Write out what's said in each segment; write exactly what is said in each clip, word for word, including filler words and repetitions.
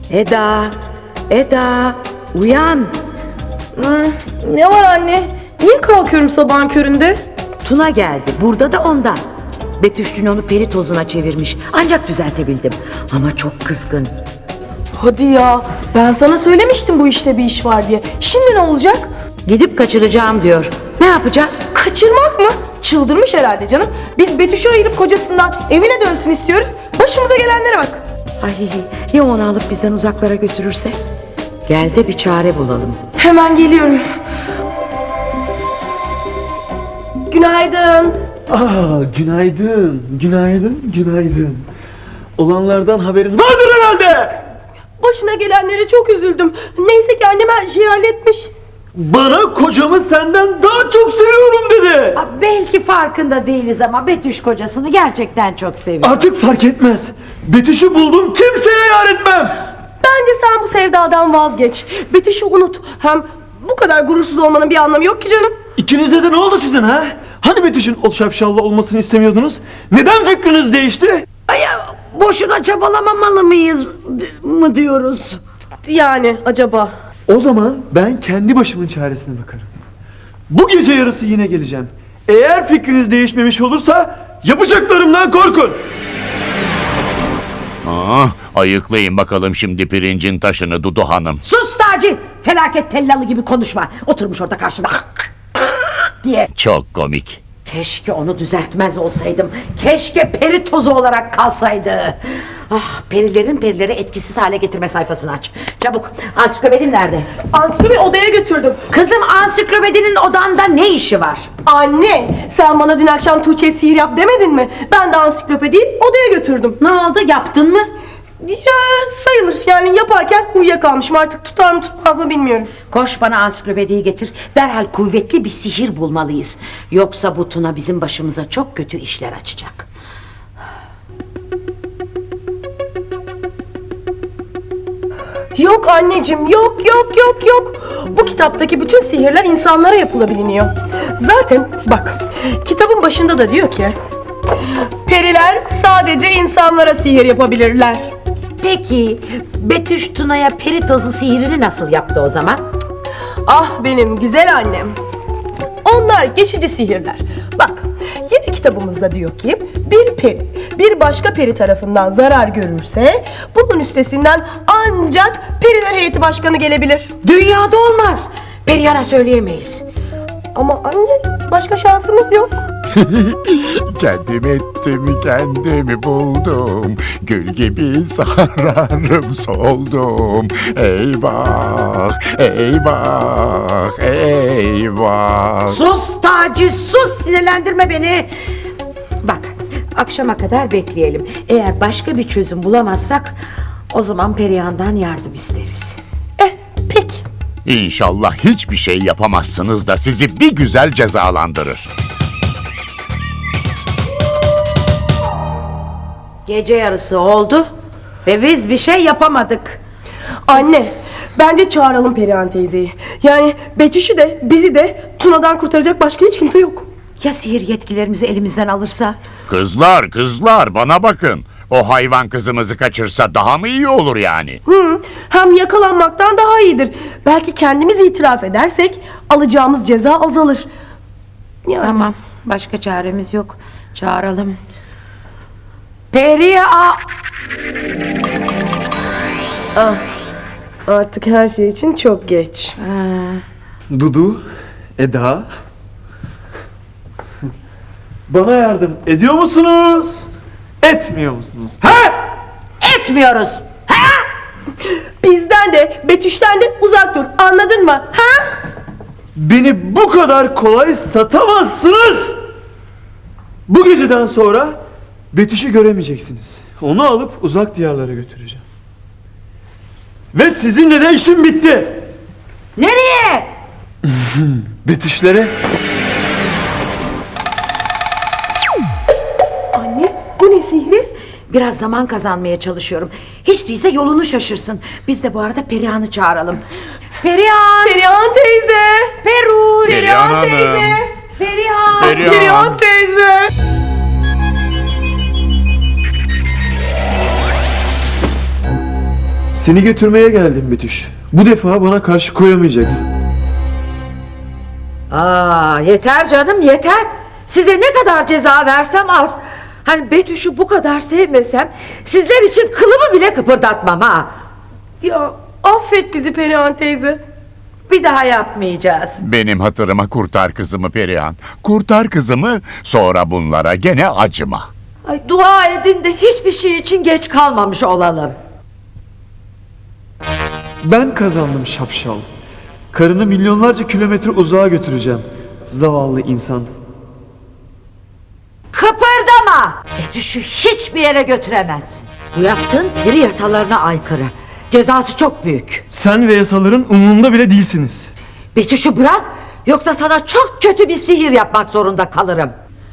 Eda, Eda, uyan. Hmm, ne var anne? Niye kalkıyorum sabahın köründe? Tuna geldi, burada da ondan. Betüş dün onu peri tozuna çevirmiş. Ancak düzeltebildim. Ama çok kızgın. Hadi ya, ben sana söylemiştim bu işte bir iş var diye. Şimdi ne olacak? Gidip kaçıracağım diyor. Ne yapacağız? Kaçırmak mı? Çıldırmış herhalde canım. Biz Betüş'ü ayırıp kocasından evine dönsün istiyoruz. Başımıza gelenlere bak. Ay, ya onu alıp bizden uzaklara götürürse? Gel de bir çare bulalım. Hemen geliyorum. Günaydın. Aa, günaydın, günaydın, günaydın. Olanlardan haberin vardır herhalde. Başına gelenlere çok üzüldüm. Neyse ki annem her şeyi halletmiş. Bana kocamı senden daha çok seviyorum dedi. Aa, belki farkında değiliz ama Betüş kocasını gerçekten çok seviyor. Artık fark etmez. Betüş'ü buldum, kimseye yar etmem. Bence sen bu sevdadan vazgeç. Betüş'ü unut. Hem bu kadar gurursuz olmanın bir anlamı yok ki canım. İkinizde de ne oldu sizin ha? Hani Betüş'ün o şapşallı olmasını istemiyordunuz? Neden fikriniz değişti? Ay, ya, boşuna çabalamamalı mıyız mı diyoruz? Yani acaba? O zaman ben kendi başımın çaresine bakarım. Bu gece yarısı yine geleceğim. Eğer fikriniz değişmemiş olursa yapacaklarımdan korkun. Ah, ayıklayın bakalım şimdi pirincin taşını Dudu Hanım. Sus Taci! Felaket tellalı gibi konuşma. Oturmuş orada karşımda diye. Çok komik. Keşke onu düzeltmez olsaydım. Keşke peri tozu olarak kalsaydı. Ah, perilerin perileri etkisiz hale getirme sayfasını aç. Çabuk. Ansiklopedin nerede? Ansiklopedi odaya götürdüm. Kızım, ansiklopedinin odanda ne işi var? Anne, sen bana dün akşam Tuğçe'ye sihir yap demedin mi? Ben de ansiklopediyi odaya götürdüm. Ne oldu, yaptın mı? Ya sayılır, yani yaparken uyuyakalmışım, artık tutar mı tutmaz mı bilmiyorum. Koş bana ansiklopediyi getir. Derhal kuvvetli bir sihir bulmalıyız. Yoksa bu Tuna bizim başımıza çok kötü işler açacak. Yok anneciğim, yok yok yok yok. Bu kitaptaki bütün sihirler insanlara yapılabiliyor. Zaten bak, kitabın başında da diyor ki periler sadece insanlara sihir yapabilirler. Peki Betüş Tuna'ya peri tozu sihirini nasıl yaptı o zaman? Ah benim güzel annem. Onlar geçici sihirler. Bak, yine kitabımızda diyor ki bir peri bir başka peri tarafından zarar görürse bunun üstesinden ancak periler heyeti başkanı gelebilir. Dünyada olmaz. Perihan'a söyleyemeyiz. Ama anne, başka şansımız yok. Kendim ettim, kendimi buldum. Gül gibi sararım soldum. Eyvah, eyvah, eyvah. Sus Taci, sus, sinirlendirme beni. Bak, akşama kadar bekleyelim. Eğer başka bir çözüm bulamazsak o zaman Perihan'dan yardım isteriz. Eh, peki. İnşallah hiçbir şey yapamazsınız da sizi bir güzel cezalandırır. Gece yarısı oldu ve biz bir şey yapamadık. Anne, bence çağıralım Perihan teyzeyi. Yani Betüş'ü de bizi de Tuna'dan kurtaracak başka hiç kimse yok. Ya sihir yetkilerimizi elimizden alırsa? Kızlar, kızlar bana bakın. O hayvan kızımızı kaçırsa daha mı iyi olur yani? Hı, hem yakalanmaktan daha iyidir. Belki kendimiz itiraf edersek alacağımız ceza azalır. Yani. Tamam, başka çaremiz yok. Çağıralım. Perihan! Ah, artık her şey için çok geç. Dudu, Eda. Bana yardım ediyor musunuz? Etmiyor musunuz? He? Etmiyoruz. Ha? Bizden de Betüş'ten de uzak dur, anladın mı? Ha? Beni bu kadar kolay satamazsınız. Bu geceden sonra Betüş'ü göremeyeceksiniz. Onu alıp uzak diyarlara götüreceğim. Ve sizinle de işim bitti. Nereye? Betüşlere. Anne, bu ne sihri? Biraz zaman kazanmaya çalışıyorum. Hiç değilse yolunu şaşırsın. Biz de bu arada Perihan'ı çağıralım. Perihan! Perihan teyze! Peruş! Perihan Hanım. Perihan! Perihan. Perihan teyze! Seni götürmeye geldim Betüş. Bu defa bana karşı koyamayacaksın. Aa, yeter canım yeter. Size ne kadar ceza versem az. Hani Betüş'ü bu kadar sevmesem sizler için kılımı bile kıpırdatmam ha. Ya affet bizi Perihan teyze. Bir daha yapmayacağız. Benim hatırıma kurtar kızımı Perihan. Kurtar kızımı, sonra bunlara gene acıma. Ay, dua edin de hiçbir şey için geç kalmamış olalım. Ben kazandım şapşal. Karını milyonlarca kilometre uzağa götüreceğim. Zavallı insan. Kıpırdama! Betüş'ü hiçbir yere götüremezsin. Bu yaptığın peri yasalarına aykırı. Cezası çok büyük. Sen ve yasaların umurunda bile değilsiniz. Betüş'ü bırak, yoksa sana çok kötü bir sihir yapmak zorunda kalırım.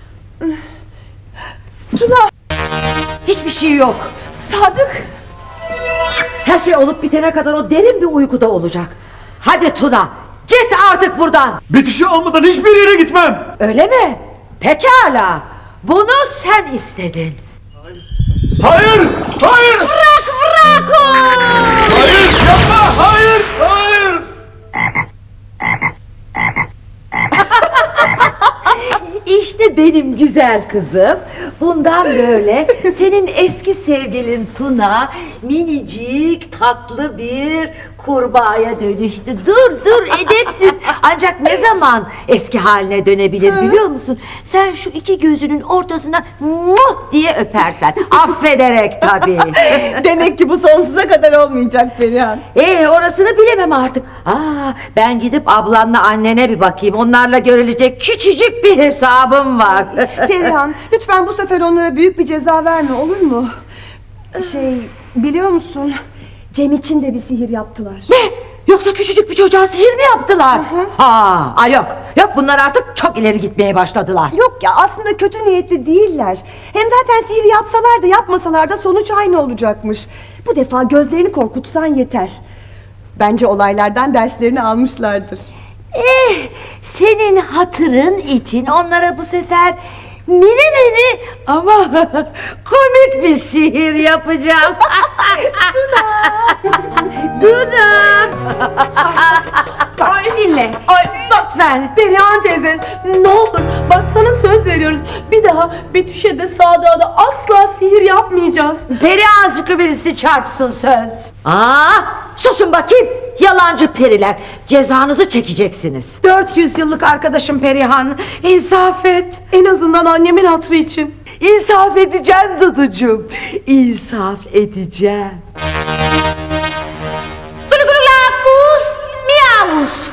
Tuna, Hiçbir şey yok. Sadık. Her şey olup bitene kadar o derin bir uykuda olacak. Hadi Tuna, git artık buradan. Betüş'ü almadan hiçbir yere gitmem. Öyle mi? Pekala. Bunu sen istedin. Hayır! Hayır! Bırak bırak o! Hayır! Yapma! Hayır! Hayır! İşte benim güzel kızım. Bundan böyle senin eski sevgilin Tuna minicik tatlı bir kurbağaya dönüştü. Dur dur edepsiz. Ancak ne zaman eski haline dönebilir biliyor musun? Sen şu iki gözünün ortasına muh diye öpersen. Affederek tabii. Demek ki bu sonsuza kadar olmayacak Perihan. Ee orasını bilemem artık. Aa, ben gidip ablanla annene bir bakayım. Onlarla görülecek küçücük bir hesabım var. Perihan, lütfen bu sefer onlara büyük bir ceza verme, olur mu? Şey, biliyor musun? Cem için de bir sihir yaptılar. Ne? Yoksa küçücük bir çocuğa sihir mi yaptılar? Ha, ay yok. Yok bunlar artık çok ileri gitmeye başladılar. Yok ya, aslında kötü niyetli değiller. Hem zaten sihir yapsalar da yapmasalar da sonuç aynı olacakmış. Bu defa gözlerini korkutsan yeter. Bence olaylardan derslerini almışlardır. Eh, senin hatırın için onlara bu sefer mini mini ama komik bir sihir yapacağım. Tuna. Tuna. Ay dinle. Ay Lütfen. Perihan teyze, ne olur bak sana söz veriyoruz. Bir daha Betüş'e de Sadık'a da asla sihir yapmayacağız. Peri ağzıklı birisi çarpsın söz. Aa, susun bakayım. Yalancı periler. Cezanızı çekeceksiniz. dört yüz yıllık arkadaşım Perihan, insaf et. En azından annemin hatırı için. İnsaf edeceğim Duducuğum. İnsaf edeceğim. Gulu gulu lakus, miyavus.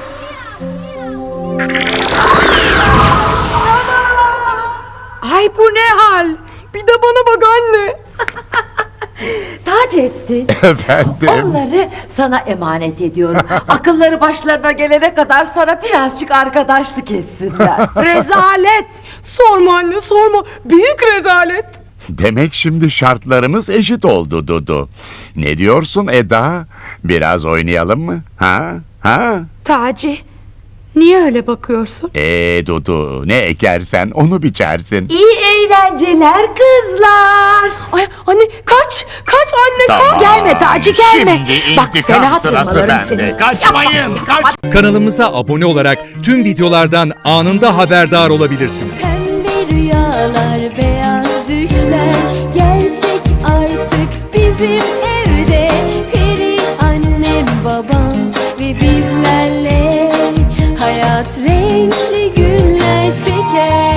Ay bu ne hal? Bir de bana bak anne. Taceddin, Efendim? onları sana emanet ediyorum. Akılları başlarına gelene kadar sana birazcık arkadaşlık etsinler. Rezalet. Sorma anne sorma. Büyük rezalet. Demek şimdi şartlarımız eşit oldu Dudu. Ne diyorsun Eda? Biraz oynayalım mı? Ha? Ha? Taci, niye öyle bakıyorsun? Ee Dudu, ne ekersen onu biçersin. İyi eğlenceler kızlar. Ay anne kaç, kaç anne Tamam. kaç. Gelme Taci gelme. Şimdi Bak intikam fena sırası tırmalarım bende. seni. Kaçmayın, kaç. Kanalımıza abone olarak tüm videolardan anında haberdar olabilirsiniz. Pembe rüyalar, beyaz düşler gerçek artık bizim evde. Peri annem, babam ve bizlerle hayat renkli günler şeker.